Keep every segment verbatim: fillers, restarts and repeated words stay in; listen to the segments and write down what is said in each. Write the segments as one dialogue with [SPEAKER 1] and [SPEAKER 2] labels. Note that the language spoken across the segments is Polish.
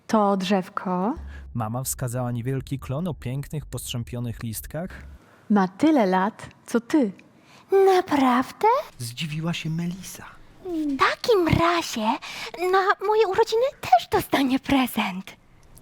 [SPEAKER 1] To drzewko
[SPEAKER 2] Mama wskazała niewielki klon o pięknych, postrzępionych listkach.
[SPEAKER 1] ma tyle lat, co ty.
[SPEAKER 3] Naprawdę?
[SPEAKER 4] Zdziwiła się Melisa.
[SPEAKER 3] W takim razie na moje urodziny też dostanie prezent.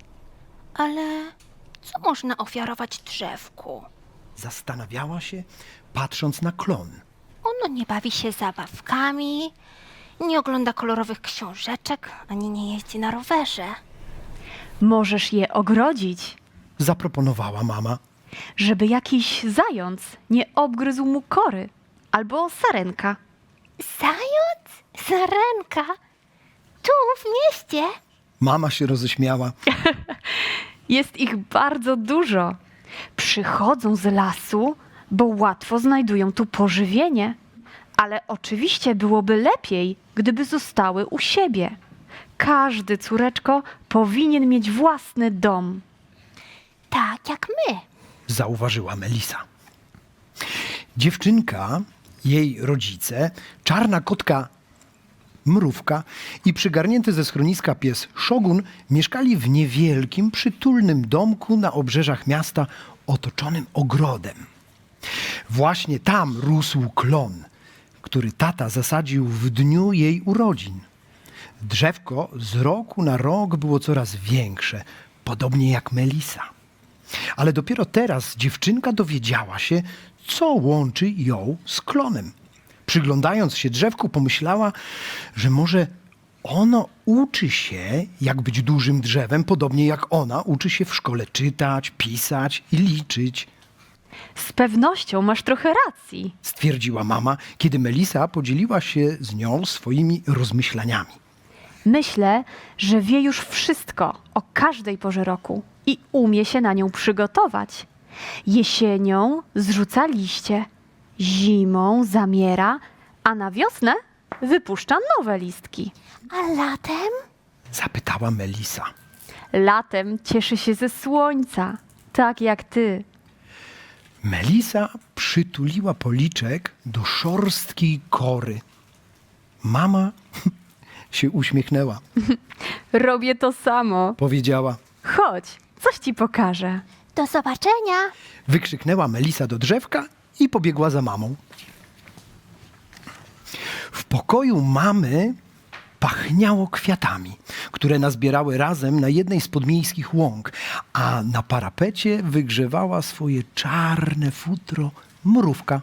[SPEAKER 3] Ale co można ofiarować drzewku?
[SPEAKER 4] Zastanawiała się, patrząc na klon.
[SPEAKER 3] Ono nie bawi się zabawkami, nie ogląda kolorowych książeczek, ani nie jeździ na rowerze.
[SPEAKER 1] Możesz je ogrodzić,
[SPEAKER 4] Zaproponowała mama.
[SPEAKER 1] żeby jakiś zając nie obgryzł mu kory. Albo sarenka.
[SPEAKER 3] Zając? Sarenka? Tu, w mieście?
[SPEAKER 4] Mama się roześmiała.
[SPEAKER 1] Jest ich bardzo dużo. Przychodzą z lasu, bo łatwo znajdują tu pożywienie. Ale oczywiście byłoby lepiej, gdyby zostały u siebie. Każdy, córeczko, powinien mieć własny dom.
[SPEAKER 3] Tak jak my.
[SPEAKER 4] Zauważyła Melisa. Dziewczynka, jej rodzice, czarna kotka Mrówka i przygarnięty ze schroniska pies Szogun mieszkali w niewielkim, przytulnym domku na obrzeżach miasta otoczonym ogrodem. Właśnie tam rósł klon, który tata zasadził w dniu jej urodzin. Drzewko z roku na rok było coraz większe, podobnie jak Melisa. Ale dopiero teraz dziewczynka dowiedziała się, co łączy ją z klonem. Przyglądając się drzewku, pomyślała, że może ono uczy się, jak być dużym drzewem, podobnie jak ona uczy się w szkole czytać, pisać i liczyć,
[SPEAKER 1] Z pewnością masz trochę racji.
[SPEAKER 4] stwierdziła mama, kiedy Melisa podzieliła się z nią swoimi rozmyślaniami.
[SPEAKER 1] Myślę, że wie już wszystko o każdej porze roku i umie się na nią przygotować. Jesienią zrzuca liście, zimą zamiera, a na wiosnę wypuszcza nowe listki.
[SPEAKER 3] A latem?
[SPEAKER 4] Zapytała Melisa.
[SPEAKER 1] Latem cieszy się ze słońca, tak jak ty.
[SPEAKER 4] Melisa przytuliła policzek do szorstkiej kory. Mama się uśmiechnęła.
[SPEAKER 1] Robię to samo.
[SPEAKER 4] Powiedziała.
[SPEAKER 1] Chodź, coś ci pokażę.
[SPEAKER 3] Do zobaczenia.
[SPEAKER 4] Wykrzyknęła Melisa do drzewka i pobiegła za mamą. W pokoju mamy pachniało kwiatami, które nazbierały razem na jednej z podmiejskich łąk, a na parapecie wygrzewała swoje czarne futro Mrówka.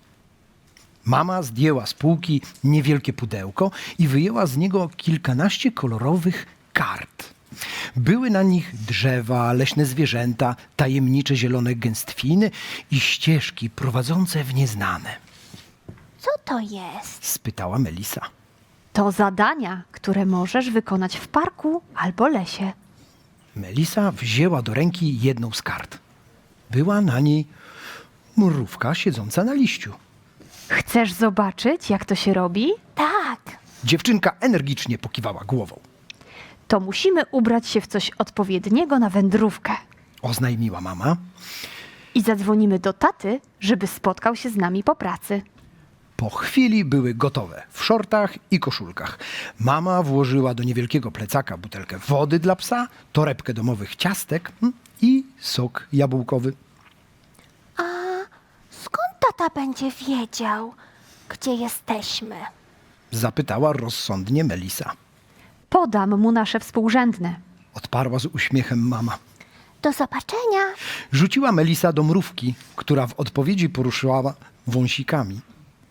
[SPEAKER 4] Mama zdjęła z półki niewielkie pudełko i wyjęła z niego kilkanaście kolorowych kart. Były na nich drzewa, leśne zwierzęta, tajemnicze zielone gęstwiny i ścieżki prowadzące w nieznane.
[SPEAKER 3] Co to jest?
[SPEAKER 4] Spytała Melisa.
[SPEAKER 1] To zadania, które możesz wykonać w parku albo lesie.
[SPEAKER 4] Melisa wzięła do ręki jedną z kart. Była na niej mrówka siedząca na liściu.
[SPEAKER 1] Chcesz zobaczyć, jak to się robi?
[SPEAKER 3] Tak.
[SPEAKER 4] Dziewczynka energicznie pokiwała głową.
[SPEAKER 1] To musimy ubrać się w coś odpowiedniego na wędrówkę.
[SPEAKER 4] Oznajmiła mama.
[SPEAKER 1] I zadzwonimy do taty, żeby spotkał się z nami po pracy.
[SPEAKER 4] Po chwili były gotowe w szortach i koszulkach. Mama włożyła do niewielkiego plecaka butelkę wody dla psa, torebkę domowych ciastek mm, i sok jabłkowy.
[SPEAKER 3] A skąd tata będzie wiedział, gdzie jesteśmy?
[SPEAKER 4] Zapytała rozsądnie Melisa.
[SPEAKER 1] Podam mu nasze współrzędne.
[SPEAKER 4] Odparła z uśmiechem mama.
[SPEAKER 3] Do zobaczenia.
[SPEAKER 4] Rzuciła Melisa do mrówki, która w odpowiedzi poruszyła wąsikami.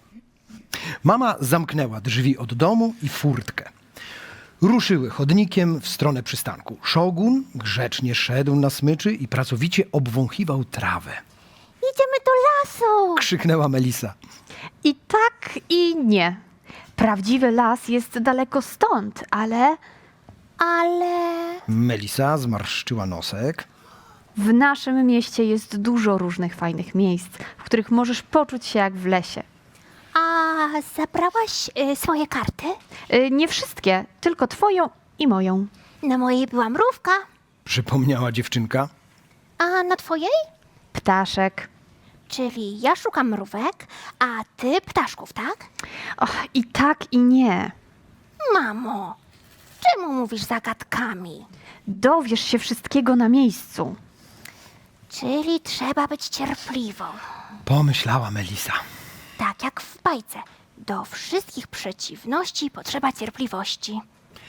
[SPEAKER 4] Mama zamknęła drzwi od domu i furtkę. Ruszyły chodnikiem w stronę przystanku. Szogun grzecznie szedł na smyczy i pracowicie obwąchiwał trawę.
[SPEAKER 3] Idziemy do lasu.
[SPEAKER 4] Krzyknęła Melisa.
[SPEAKER 1] I tak, i nie. Prawdziwy las jest daleko stąd, ale
[SPEAKER 3] Ale
[SPEAKER 4] Melisa zmarszczyła nosek.
[SPEAKER 1] w naszym mieście jest dużo różnych fajnych miejsc, w których możesz poczuć się jak w lesie.
[SPEAKER 3] a zabrałaś y, swoje karty?
[SPEAKER 1] Y, Nie wszystkie, tylko twoją i moją.
[SPEAKER 3] Na mojej była mrówka,
[SPEAKER 4] Przypomniała dziewczynka.
[SPEAKER 3] a na twojej?
[SPEAKER 1] Ptaszek.
[SPEAKER 3] Czyli ja szukam mrówek, a ty ptaszków, tak?
[SPEAKER 1] Och, i tak, i nie.
[SPEAKER 3] Mamo, Czemu mówisz zagadkami?
[SPEAKER 1] Dowiesz się wszystkiego na miejscu.
[SPEAKER 3] Czyli trzeba być cierpliwą.
[SPEAKER 4] Pomyślała Melisa.
[SPEAKER 3] Tak jak w bajce. Do wszystkich przeciwności potrzeba cierpliwości.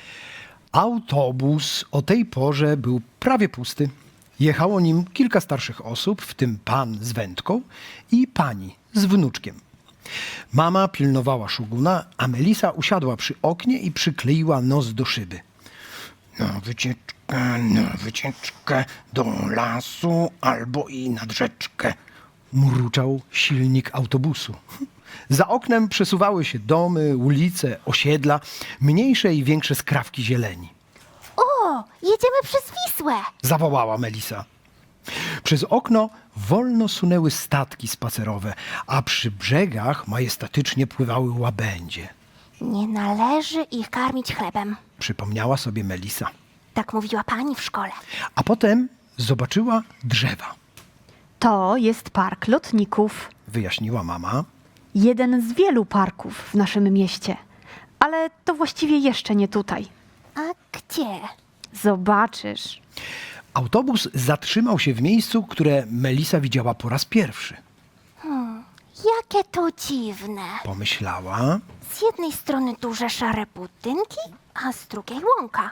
[SPEAKER 4] Autobus o tej porze był prawie pusty. Jechało nim kilka starszych osób, w tym pan z wędką i pani z wnuczkiem. Mama pilnowała Szoguna, a Melisa usiadła przy oknie i przykleiła nos do szyby. Na wycieczkę, na wycieczkę do lasu albo i nad rzeczkę, mruczał silnik autobusu. Za oknem przesuwały się domy, ulice, osiedla, mniejsze i większe skrawki zieleni.
[SPEAKER 3] O, jedziemy przez Wisłę.
[SPEAKER 4] Zawołała Melisa. Przez okno wolno sunęły statki spacerowe, a przy brzegach majestatycznie pływały łabędzie.
[SPEAKER 3] Nie należy ich karmić chlebem.
[SPEAKER 4] Przypomniała sobie Melisa.
[SPEAKER 3] Tak mówiła pani w szkole.
[SPEAKER 4] A potem zobaczyła drzewa.
[SPEAKER 1] To jest park lotników.
[SPEAKER 4] Wyjaśniła mama.
[SPEAKER 1] Jeden z wielu parków w naszym mieście. Ale to właściwie jeszcze nie tutaj.
[SPEAKER 3] A gdzie?
[SPEAKER 1] Zobaczysz.
[SPEAKER 4] Autobus zatrzymał się w miejscu, które Melisa widziała po raz pierwszy.
[SPEAKER 3] Jakie to dziwne.
[SPEAKER 4] Pomyślała.
[SPEAKER 3] Z jednej strony duże szare budynki, a z drugiej łąka.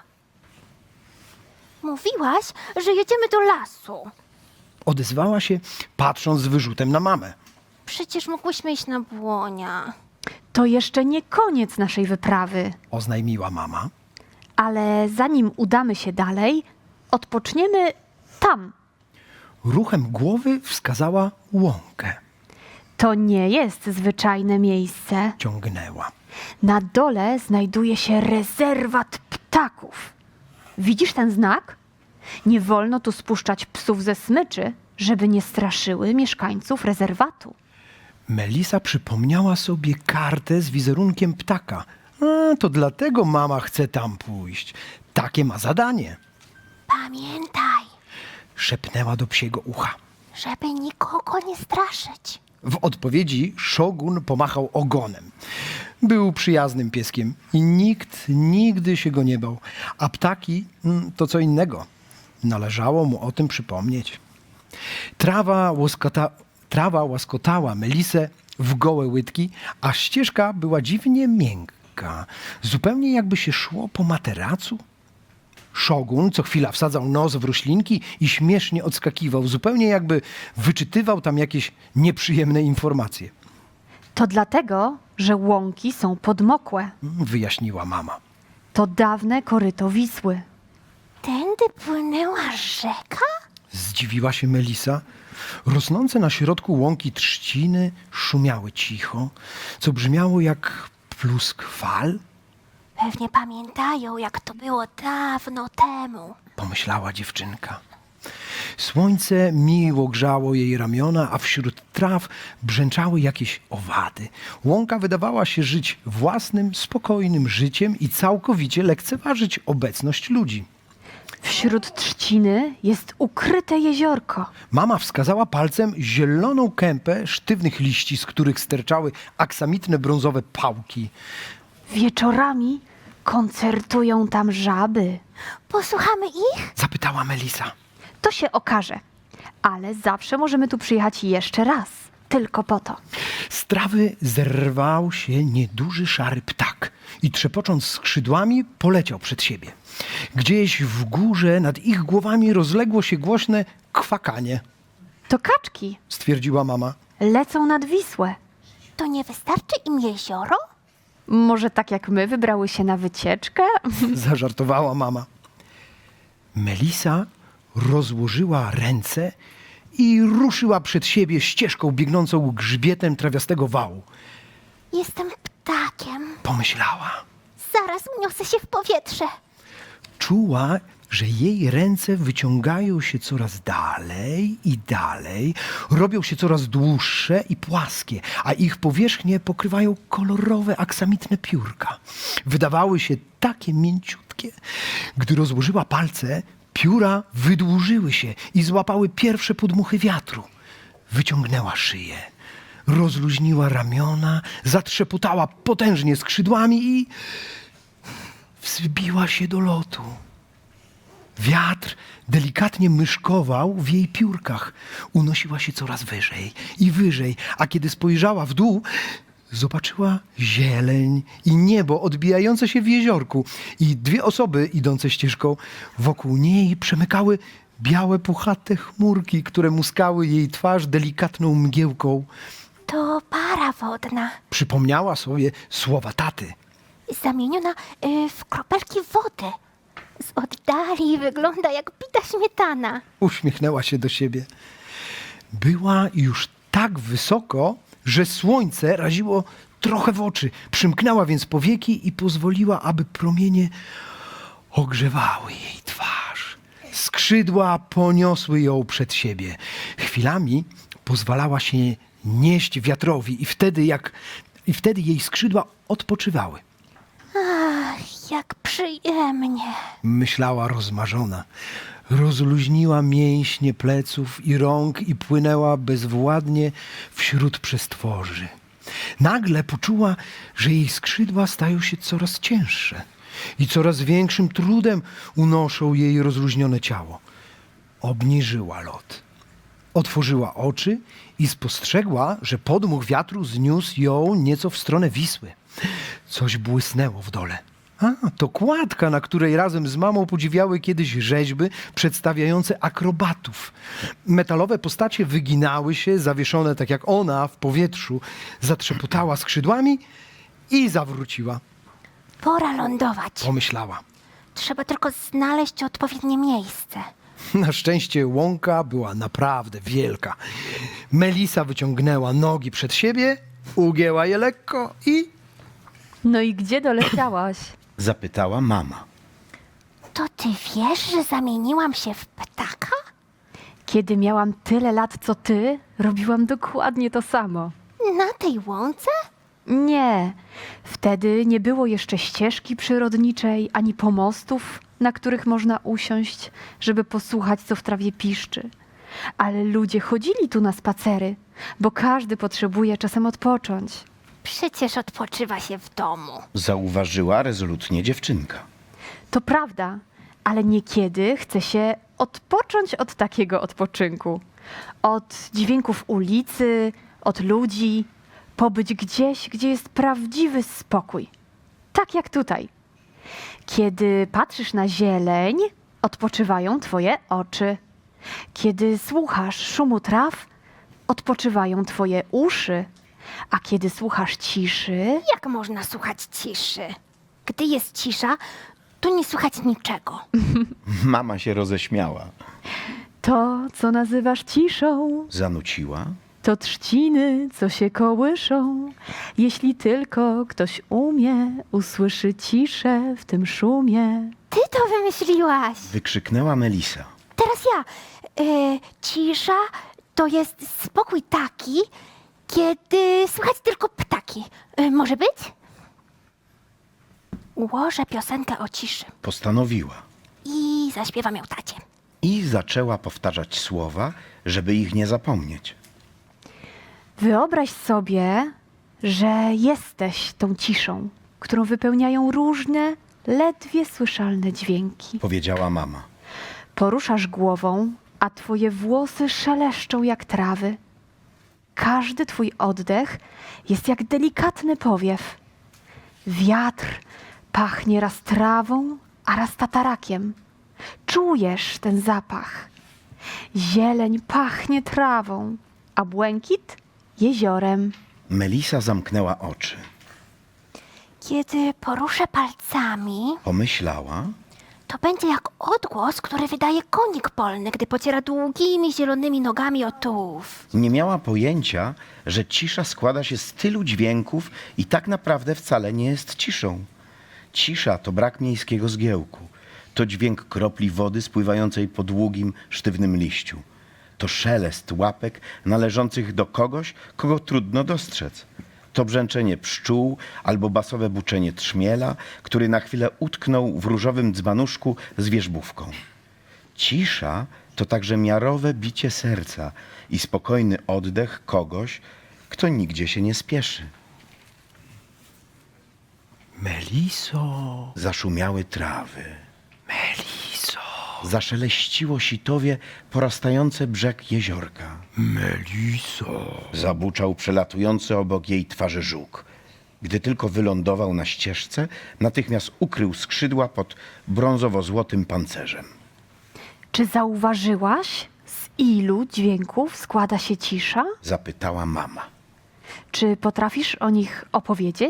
[SPEAKER 3] Mówiłaś, że jedziemy do lasu.
[SPEAKER 4] Odezwała się, patrząc z wyrzutem na mamę.
[SPEAKER 3] Przecież mogłyśmy iść na błonia.
[SPEAKER 1] To jeszcze nie koniec naszej wyprawy.
[SPEAKER 4] Oznajmiła mama.
[SPEAKER 1] Ale zanim udamy się dalej, odpoczniemy tam.
[SPEAKER 4] Ruchem głowy wskazała łąkę.
[SPEAKER 1] To nie jest zwyczajne miejsce.
[SPEAKER 4] Ciągnęła.
[SPEAKER 1] Na dole znajduje się rezerwat ptaków. Widzisz ten znak? Nie wolno tu spuszczać psów ze smyczy, żeby nie straszyły mieszkańców rezerwatu.
[SPEAKER 4] Melisa przypomniała sobie kartę z wizerunkiem ptaka. A, to dlatego mama chce tam pójść. Takie ma zadanie.
[SPEAKER 3] Pamiętaj,
[SPEAKER 4] Szepnęła do psiego ucha.
[SPEAKER 3] żeby nikogo nie straszyć.
[SPEAKER 4] W odpowiedzi Szogun pomachał ogonem. Był przyjaznym pieskiem i nikt nigdy się go nie bał. A ptaki mm, to co innego. Należało mu o tym przypomnieć. Trawa, łoskota, trawa łaskotała Melisę w gołe łydki, a ścieżka była dziwnie miękka. Zupełnie jakby się szło po materacu. Szogun co chwila wsadzał nos w roślinki i śmiesznie odskakiwał, zupełnie jakby wyczytywał tam jakieś nieprzyjemne informacje.
[SPEAKER 1] To dlatego, że łąki są podmokłe.
[SPEAKER 4] Wyjaśniła mama.
[SPEAKER 1] To dawne koryto Wisły.
[SPEAKER 3] Tędy płynęła rzeka?
[SPEAKER 4] Zdziwiła się Melisa. Rosnące na środku łąki trzciny szumiały cicho, co brzmiało jak plusk fal,
[SPEAKER 3] Pewnie pamiętają, jak to było dawno temu.
[SPEAKER 4] pomyślała dziewczynka. Słońce miło grzało jej ramiona, a wśród traw brzęczały jakieś owady. Łąka wydawała się żyć własnym, spokojnym życiem i całkowicie lekceważyć obecność ludzi.
[SPEAKER 1] Wśród trzciny jest ukryte jeziorko.
[SPEAKER 4] Mama wskazała palcem zieloną kępę sztywnych liści, z których sterczały aksamitne brązowe pałki.
[SPEAKER 1] Wieczorami koncertują tam żaby.
[SPEAKER 3] Posłuchamy ich?
[SPEAKER 4] Zapytała Melisa.
[SPEAKER 1] To się okaże. Ale zawsze możemy tu przyjechać jeszcze raz. Tylko po to.
[SPEAKER 4] Z trawy zerwał się nieduży szary ptak i trzepocząc skrzydłami poleciał przed siebie. Gdzieś w górze nad ich głowami rozległo się głośne kwakanie,
[SPEAKER 1] To kaczki
[SPEAKER 4] stwierdziła mama.
[SPEAKER 1] lecą nad Wisłę.
[SPEAKER 3] To nie wystarczy im jezioro?
[SPEAKER 1] Może tak jak my wybrały się na wycieczkę?
[SPEAKER 4] Zażartowała mama. Melisa rozłożyła ręce i ruszyła przed siebie ścieżką biegnącą grzbietem trawiastego wału.
[SPEAKER 3] Jestem ptakiem.
[SPEAKER 4] Pomyślała.
[SPEAKER 3] Zaraz uniosę się w powietrze.
[SPEAKER 4] Czuła, że jej ręce wyciągają się coraz dalej i dalej, robią się coraz dłuższe i płaskie, a ich powierzchnie pokrywają kolorowe, aksamitne piórka. Wydawały się takie mięciutkie. Gdy rozłożyła palce, pióra wydłużyły się i złapały pierwsze podmuchy wiatru. Wyciągnęła szyję, rozluźniła ramiona, zatrzepotała potężnie skrzydłami i wzbiła się do lotu. Wiatr delikatnie myszkował w jej piórkach. Unosiła się coraz wyżej i wyżej, a kiedy spojrzała w dół, zobaczyła zieleń i niebo odbijające się w jeziorku. I dwie osoby idące ścieżką wokół niej przemykały białe, puchate chmurki, które muskały jej twarz delikatną mgiełką.
[SPEAKER 3] To para wodna,
[SPEAKER 4] Przypomniała sobie słowa taty.
[SPEAKER 3] zamieniona y, w kropelki wody. Z oddali wygląda jak bita śmietana.
[SPEAKER 4] Uśmiechnęła się do siebie. Była już tak wysoko, że słońce raziło trochę w oczy. Przymknęła więc powieki i pozwoliła, aby promienie ogrzewały jej twarz. Skrzydła poniosły ją przed siebie. Chwilami pozwalała się nieść wiatrowi i wtedy, jak, i wtedy jej skrzydła odpoczywały.
[SPEAKER 3] Ach, jak przyjemnie.
[SPEAKER 4] Myślała rozmarzona. Rozluźniła mięśnie pleców i rąk i płynęła bezwładnie wśród przestworzy. Nagle poczuła, że jej skrzydła stają się coraz cięższe i coraz większym trudem unoszą jej rozluźnione ciało. Obniżyła lot. Otworzyła oczy i spostrzegła, że podmuch wiatru zniósł ją nieco w stronę Wisły. Coś błysnęło w dole. A, to kładka, na której razem z mamą podziwiały kiedyś rzeźby przedstawiające akrobatów. Metalowe postacie wyginały się, zawieszone tak jak ona w powietrzu. Zatrzepotała skrzydłami i zawróciła.
[SPEAKER 3] Pora lądować.
[SPEAKER 4] Pomyślała.
[SPEAKER 3] Trzeba tylko znaleźć odpowiednie miejsce.
[SPEAKER 4] Na szczęście łąka była naprawdę wielka. Melisa wyciągnęła nogi przed siebie, ugięła je lekko i...
[SPEAKER 1] No i gdzie doleciałaś?
[SPEAKER 5] Zapytała mama.
[SPEAKER 3] To ty wiesz, że zamieniłam się w ptaka?
[SPEAKER 1] Kiedy miałam tyle lat co ty, robiłam dokładnie to samo.
[SPEAKER 3] Na tej łące?
[SPEAKER 1] Nie, wtedy nie było jeszcze ścieżki przyrodniczej, ani pomostów, na których można usiąść, żeby posłuchać, co w trawie piszczy. Ale ludzie chodzili tu na spacery, bo każdy potrzebuje czasem odpocząć.
[SPEAKER 3] Przecież odpoczywa się w domu.
[SPEAKER 5] Zauważyła rezolutnie dziewczynka.
[SPEAKER 1] To prawda, ale niekiedy chce się odpocząć od takiego odpoczynku. Od dźwięków ulicy, od ludzi, pobyć gdzieś, gdzie jest prawdziwy spokój. Tak jak tutaj. Kiedy patrzysz na zieleń, odpoczywają twoje oczy. Kiedy słuchasz szumu traw, odpoczywają twoje uszy. A kiedy słuchasz ciszy,
[SPEAKER 3] Jak można słuchać ciszy? Gdy jest cisza, to nie słychać niczego.
[SPEAKER 5] Mama się roześmiała.
[SPEAKER 1] to, co nazywasz ciszą,
[SPEAKER 5] Zanuciła.
[SPEAKER 1] to trzciny, co się kołyszą. Jeśli tylko ktoś umie, usłyszy ciszę w tym szumie.
[SPEAKER 3] Ty to wymyśliłaś.
[SPEAKER 5] Wykrzyknęła Melisa.
[SPEAKER 3] Teraz ja. Y, cisza to jest spokój taki, kiedy słychać tylko ptaki. Y, może być? Ułożę piosenkę o ciszy
[SPEAKER 5] Postanowiła.
[SPEAKER 3] i zaśpiewam ją tacie.
[SPEAKER 5] I zaczęła powtarzać słowa, żeby ich nie zapomnieć.
[SPEAKER 1] Wyobraź sobie, że jesteś tą ciszą, którą wypełniają różne, ledwie słyszalne dźwięki.
[SPEAKER 5] Powiedziała mama.
[SPEAKER 1] Poruszasz głową, a twoje włosy szeleszczą jak trawy. Każdy twój oddech jest jak delikatny powiew. Wiatr pachnie raz trawą, a raz tatarakiem. Czujesz ten zapach. Zieleń pachnie trawą, a błękit jeziorem.
[SPEAKER 5] Melisa zamknęła oczy.
[SPEAKER 3] Kiedy poruszę palcami,
[SPEAKER 5] Pomyślała.
[SPEAKER 3] to będzie jak odgłos, który wydaje konik polny, gdy pociera długimi, zielonymi nogami o tułów.
[SPEAKER 5] Nie miała pojęcia, że cisza składa się z tylu dźwięków i tak naprawdę wcale nie jest ciszą. Cisza to brak miejskiego zgiełku. To dźwięk kropli wody spływającej po długim, sztywnym liściu. To szelest łapek należących do kogoś, kogo trudno dostrzec. To brzęczenie pszczół albo basowe buczenie trzmiela, który na chwilę utknął w różowym dzbanuszku z wierzbówką. Cisza to także miarowe bicie serca i spokojny oddech kogoś, kto nigdzie się nie spieszy.
[SPEAKER 4] Meliso,
[SPEAKER 5] Zaszumiały trawy.
[SPEAKER 4] Meliso,
[SPEAKER 5] Zaszeleściło sitowie porastające brzeg jeziorka.
[SPEAKER 4] Meliso.
[SPEAKER 5] Zabuczał przelatujący obok jej twarzy żuk. Gdy tylko wylądował na ścieżce, natychmiast ukrył skrzydła pod brązowo-złotym pancerzem.
[SPEAKER 1] Czy zauważyłaś, z ilu dźwięków składa się cisza?
[SPEAKER 5] Zapytała mama.
[SPEAKER 1] Czy potrafisz o nich opowiedzieć?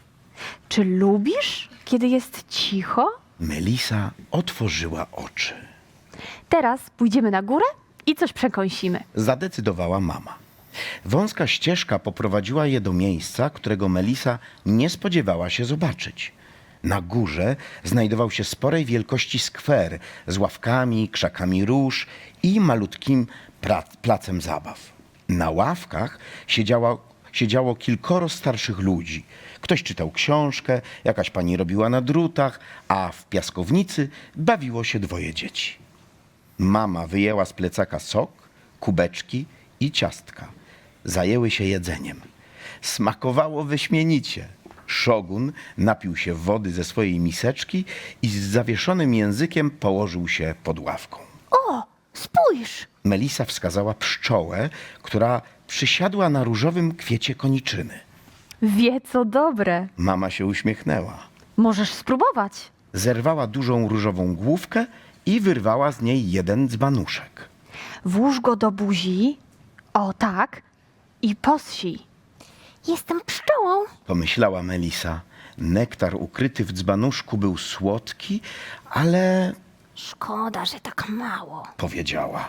[SPEAKER 1] Czy lubisz, kiedy jest cicho?
[SPEAKER 5] Melisa otworzyła oczy.
[SPEAKER 1] Teraz pójdziemy na górę i coś przekąsimy.
[SPEAKER 5] Zadecydowała mama. Wąska ścieżka poprowadziła je do miejsca, którego Melisa nie spodziewała się zobaczyć. Na górze znajdował się sporej wielkości skwer z ławkami, krzakami róż i malutkim pra- placem zabaw. Na ławkach siedziało, siedziało kilkoro starszych ludzi. Ktoś czytał książkę, jakaś pani robiła na drutach, a w piaskownicy bawiło się dwoje dzieci. Mama wyjęła z plecaka sok, kubeczki i ciastka. Zajęły się jedzeniem. Smakowało wyśmienicie. Szogun napił się wody ze swojej miseczki i z zawieszonym językiem położył się pod ławką.
[SPEAKER 3] O, spójrz!
[SPEAKER 5] Melisa wskazała pszczołę, która przysiadła na różowym kwiecie koniczyny.
[SPEAKER 1] Wie co dobre.
[SPEAKER 5] Mama się uśmiechnęła.
[SPEAKER 1] Możesz spróbować.
[SPEAKER 5] Zerwała dużą różową główkę i wyrwała z niej jeden dzbanuszek.
[SPEAKER 1] Włóż go do buzi, o tak, i posij.
[SPEAKER 3] Jestem pszczołą.
[SPEAKER 5] Pomyślała Melisa. Nektar ukryty w dzbanuszku był słodki, ale
[SPEAKER 3] Szkoda, że tak mało.
[SPEAKER 5] powiedziała.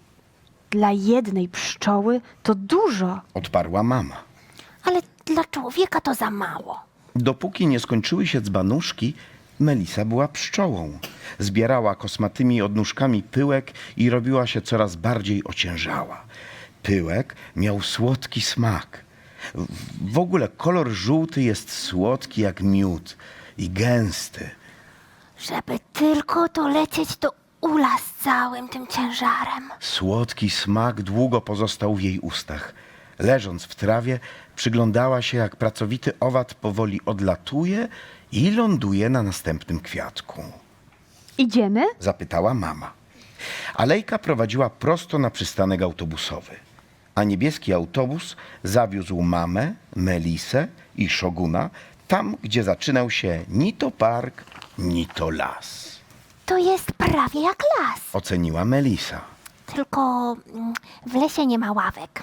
[SPEAKER 1] Dla jednej pszczoły to dużo.
[SPEAKER 5] Odparła mama.
[SPEAKER 3] Ale dla człowieka to za mało.
[SPEAKER 5] Dopóki nie skończyły się dzbanuszki, Melisa była pszczołą. Zbierała kosmatymi odnóżkami pyłek i robiła się coraz bardziej ociężała. Pyłek miał słodki smak. W- W ogóle kolor żółty jest słodki jak miód i gęsty.
[SPEAKER 3] Żeby tylko to lecieć do ula z całym tym ciężarem.
[SPEAKER 5] Słodki smak długo pozostał w jej ustach. Leżąc w trawie, przyglądała się, jak pracowity owad powoli odlatuje i ląduje na następnym kwiatku.
[SPEAKER 1] Idziemy?
[SPEAKER 5] Zapytała mama. Alejka prowadziła prosto na przystanek autobusowy, a niebieski autobus zawiózł mamę, Melisę i Szoguna tam, gdzie zaczynał się ni to park, ni to las.
[SPEAKER 3] To jest prawie jak las.
[SPEAKER 5] Oceniła Melisa.
[SPEAKER 3] Tylko mm, w lesie nie ma ławek.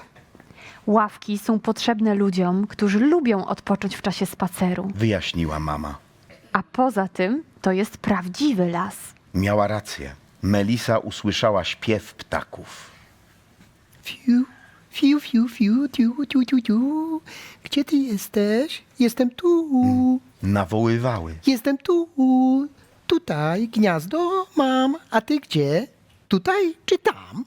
[SPEAKER 1] Ławki są potrzebne ludziom, którzy lubią odpocząć w czasie spaceru.
[SPEAKER 5] Wyjaśniła mama.
[SPEAKER 1] A poza tym to jest prawdziwy las.
[SPEAKER 5] Miała rację. Melisa usłyszała śpiew ptaków.
[SPEAKER 4] Fiu, fiu, fiu, fiu, tiu, tiu, tiu, tiu. Gdzie ty jesteś? Jestem tu.
[SPEAKER 5] Nawoływały.
[SPEAKER 4] Jestem tu. Tutaj gniazdo mam. A ty gdzie? Tutaj czy tam?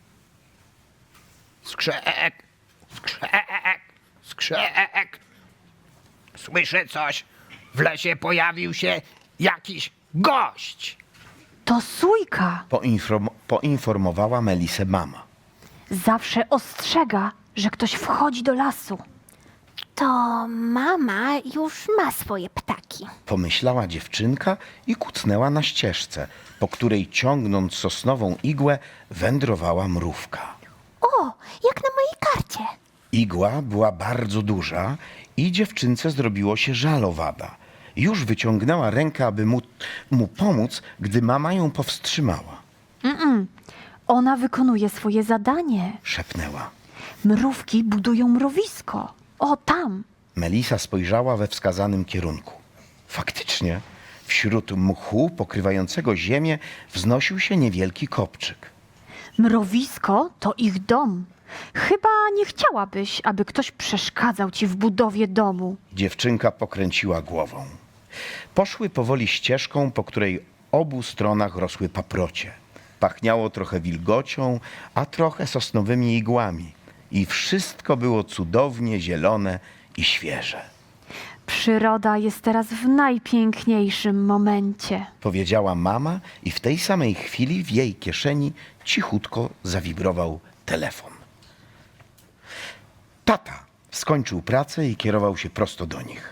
[SPEAKER 4] Skrzek, skrzek, skrzek. Słyszę coś. W lesie pojawił się jakiś gość.
[SPEAKER 1] To sójka.
[SPEAKER 5] Poinform- poinformowała Melisę mama.
[SPEAKER 1] Zawsze ostrzega, że ktoś wchodzi do lasu.
[SPEAKER 3] To mama już ma swoje ptaki.
[SPEAKER 5] Pomyślała dziewczynka i kucnęła na ścieżce, po której ciągnąc sosnową igłę wędrowała mrówka.
[SPEAKER 3] O, jak na mojej karcie.
[SPEAKER 5] Igła była bardzo duża i dziewczynce zrobiło się żal owada. Już wyciągnęła rękę, aby mu, mu pomóc, gdy mama ją powstrzymała.
[SPEAKER 1] Ona wykonuje swoje zadanie.
[SPEAKER 5] Szepnęła.
[SPEAKER 1] Mrówki budują mrowisko. O, tam.
[SPEAKER 5] Melisa spojrzała we wskazanym kierunku. Faktycznie, wśród mchu pokrywającego ziemię wznosił się niewielki kopczyk.
[SPEAKER 1] Mrowisko to ich dom. Chyba nie chciałabyś, aby ktoś przeszkadzał ci w budowie domu.
[SPEAKER 5] Dziewczynka pokręciła głową. Poszły powoli ścieżką, po której obu stronach rosły paprocie. Pachniało trochę wilgocią, a trochę sosnowymi igłami. I wszystko było cudownie zielone i świeże.
[SPEAKER 1] Przyroda jest teraz w najpiękniejszym momencie.
[SPEAKER 5] Powiedziała mama i w tej samej chwili w jej kieszeni cichutko zawibrował telefon. Tata skończył pracę i kierował się prosto do nich.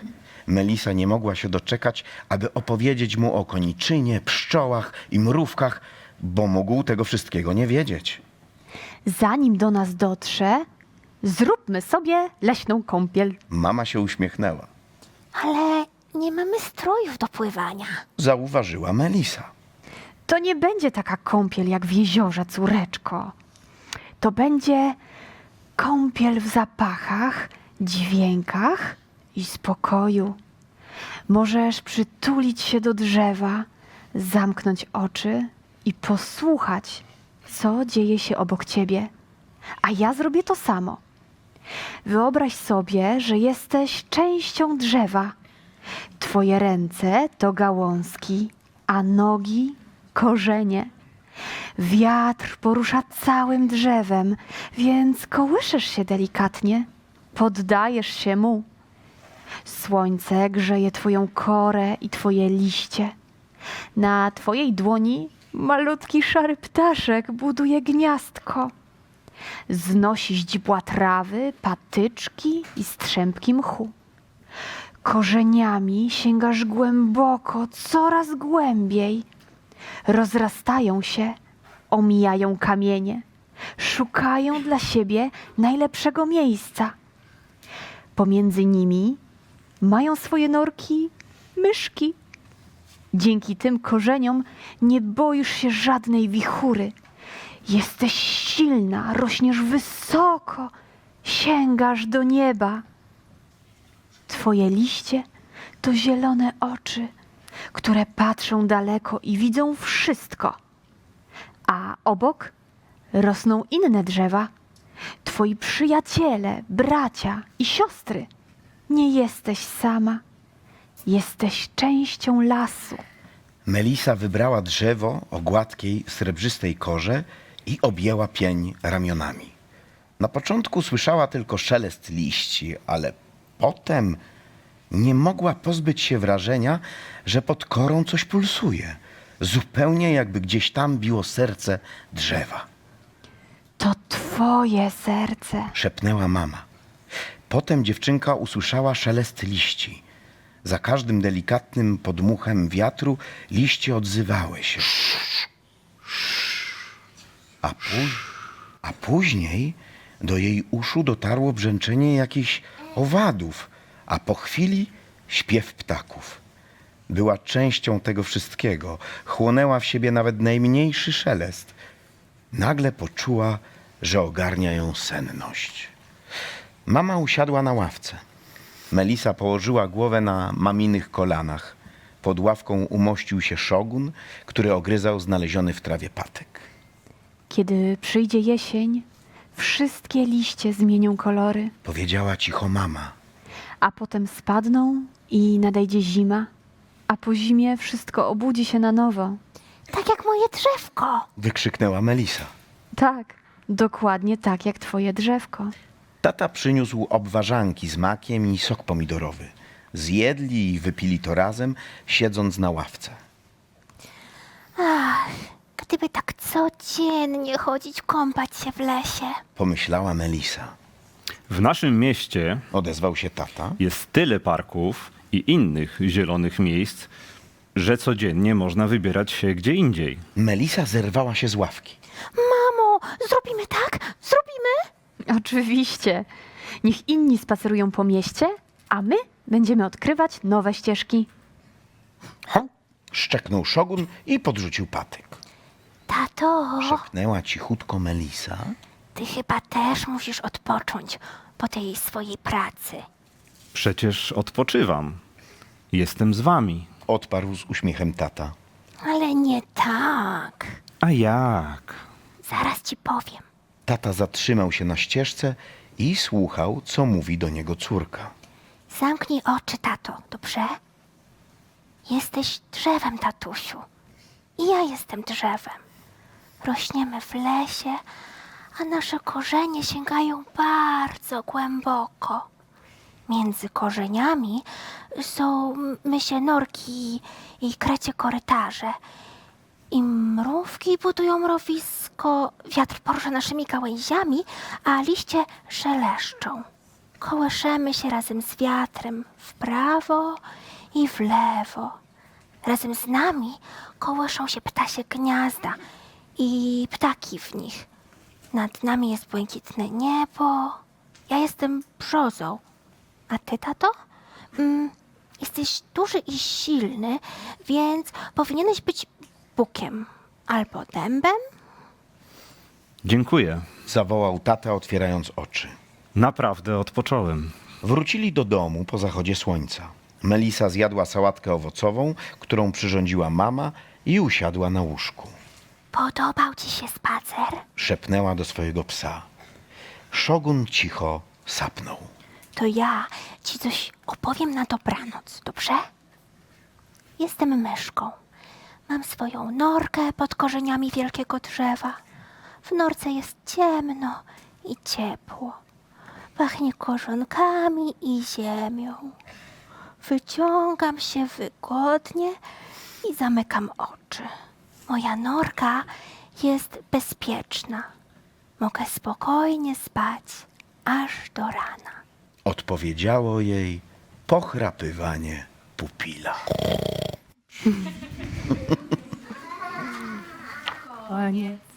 [SPEAKER 5] Melisa nie mogła się doczekać, aby opowiedzieć mu o koniczynie, pszczołach i mrówkach, bo mógł tego wszystkiego nie wiedzieć.
[SPEAKER 1] Zanim do nas dotrze, zróbmy sobie leśną kąpiel.
[SPEAKER 5] Mama się uśmiechnęła.
[SPEAKER 3] Ale nie mamy strojów do pływania.
[SPEAKER 5] Zauważyła Melisa.
[SPEAKER 1] To nie będzie taka kąpiel jak w jeziorze, córeczko. To będzie kąpiel w zapachach, dźwiękach i spokoju. Możesz przytulić się do drzewa, zamknąć oczy i posłuchać, co dzieje się obok ciebie. A ja zrobię to samo. Wyobraź sobie, że jesteś częścią drzewa. Twoje ręce to gałązki, a nogi korzenie. Wiatr porusza całym drzewem, więc kołyszysz się delikatnie, poddajesz się mu. Słońce grzeje twoją korę i twoje liście. Na twojej dłoni malutki szary ptaszek buduje gniazdko. Znosi źdźbła trawy, patyczki i strzępki mchu. Korzeniami sięgasz głęboko, coraz głębiej. Rozrastają się, omijają kamienie, szukają dla siebie najlepszego miejsca. Pomiędzy nimi mają swoje norki myszki. Dzięki tym korzeniom nie boisz się żadnej wichury. Jesteś silna, rośniesz wysoko, sięgasz do nieba. Twoje liście to zielone oczy, które patrzą daleko i widzą wszystko. A obok rosną inne drzewa. Twoi przyjaciele, bracia i siostry. Nie jesteś sama. Jesteś częścią lasu.
[SPEAKER 5] Melisa wybrała drzewo o gładkiej, srebrzystej korze i objęła pień ramionami. Na początku słyszała tylko szelest liści, ale potem nie mogła pozbyć się wrażenia, że pod korą coś pulsuje. Zupełnie jakby gdzieś tam biło serce drzewa.
[SPEAKER 1] To twoje serce.
[SPEAKER 5] Szepnęła mama. Potem dziewczynka usłyszała szelest liści. Za każdym delikatnym podmuchem wiatru liście odzywały się. A, pó- a później do jej uszu dotarło brzęczenie jakichś owadów, a po chwili śpiew ptaków. Była częścią tego wszystkiego. Chłonęła w siebie nawet najmniejszy szelest. Nagle poczuła, że ogarnia ją senność. Mama usiadła na ławce. Melisa położyła głowę na maminych kolanach. Pod ławką umościł się szogun, który ogryzał znaleziony w trawie patyk.
[SPEAKER 1] Kiedy przyjdzie jesień, wszystkie liście zmienią kolory,
[SPEAKER 5] Powiedziała cicho mama.
[SPEAKER 1] a potem spadną i nadejdzie zima, a po zimie wszystko obudzi się na nowo.
[SPEAKER 3] Tak jak moje drzewko.
[SPEAKER 5] Wykrzyknęła Melisa.
[SPEAKER 1] Tak, dokładnie tak jak twoje drzewko.
[SPEAKER 5] Tata przyniósł obwarzanki z makiem i sok pomidorowy. Zjedli i wypili to razem, siedząc na ławce.
[SPEAKER 3] Ach, gdyby tak codziennie chodzić kąpać się w lesie.
[SPEAKER 5] Pomyślała Melisa.
[SPEAKER 6] W naszym mieście
[SPEAKER 5] Odezwał się tata.
[SPEAKER 6] jest tyle parków i innych zielonych miejsc, że codziennie można wybierać się gdzie indziej.
[SPEAKER 5] Melisa zerwała się z ławki.
[SPEAKER 3] Mamo, zrobimy tak? Zrobimy?
[SPEAKER 1] Oczywiście. Niech inni spacerują po mieście, a my będziemy odkrywać nowe ścieżki.
[SPEAKER 5] Ha! Szczeknął szogun i podrzucił patyk.
[SPEAKER 3] Tato,
[SPEAKER 5] Szepnęła cichutko Melisa.
[SPEAKER 3] ty chyba też musisz odpocząć po tej swojej pracy.
[SPEAKER 6] Przecież odpoczywam. Jestem z wami.
[SPEAKER 5] Odparł z uśmiechem tata.
[SPEAKER 3] Ale nie tak.
[SPEAKER 6] A jak?
[SPEAKER 3] Zaraz ci powiem.
[SPEAKER 5] Tata zatrzymał się na ścieżce i słuchał, co mówi do niego córka.
[SPEAKER 3] Zamknij oczy, tato, dobrze? Jesteś drzewem, tatusiu. I ja jestem drzewem. Rośniemy w lesie, a nasze korzenie sięgają bardzo głęboko. Między korzeniami są mysie norki i krecie korytarze. I mrówki budują mrowisko, wiatr porusza naszymi gałęziami, a liście szeleszczą. Kołyszemy się razem z wiatrem w prawo i w lewo. Razem z nami kołyszą się ptasie gniazda i ptaki w nich. Nad nami jest błękitne niebo. Ja jestem brzozą. A ty, tato? Mm, jesteś duży i silny, więc powinieneś być bukiem albo dębem.
[SPEAKER 6] Dziękuję.
[SPEAKER 5] Zawołał tata, otwierając oczy.
[SPEAKER 6] Naprawdę odpocząłem.
[SPEAKER 5] Wrócili do domu po zachodzie słońca. Melisa zjadła sałatkę owocową, którą przyrządziła mama, i usiadła na łóżku.
[SPEAKER 3] Podobał ci się spacer?
[SPEAKER 5] Szepnęła do swojego psa. Szogun cicho sapnął.
[SPEAKER 3] To ja ci coś opowiem na dobranoc, dobrze? Jestem myszką. Mam swoją norkę pod korzeniami wielkiego drzewa. W norce jest ciemno i ciepło. Pachnie korzonkami i ziemią. Wyciągam się wygodnie i zamykam oczy. Moja norka jest bezpieczna. Mogę spokojnie spać aż do rana.
[SPEAKER 5] Odpowiedziało jej pochrapywanie pupila.
[SPEAKER 1] Koniec.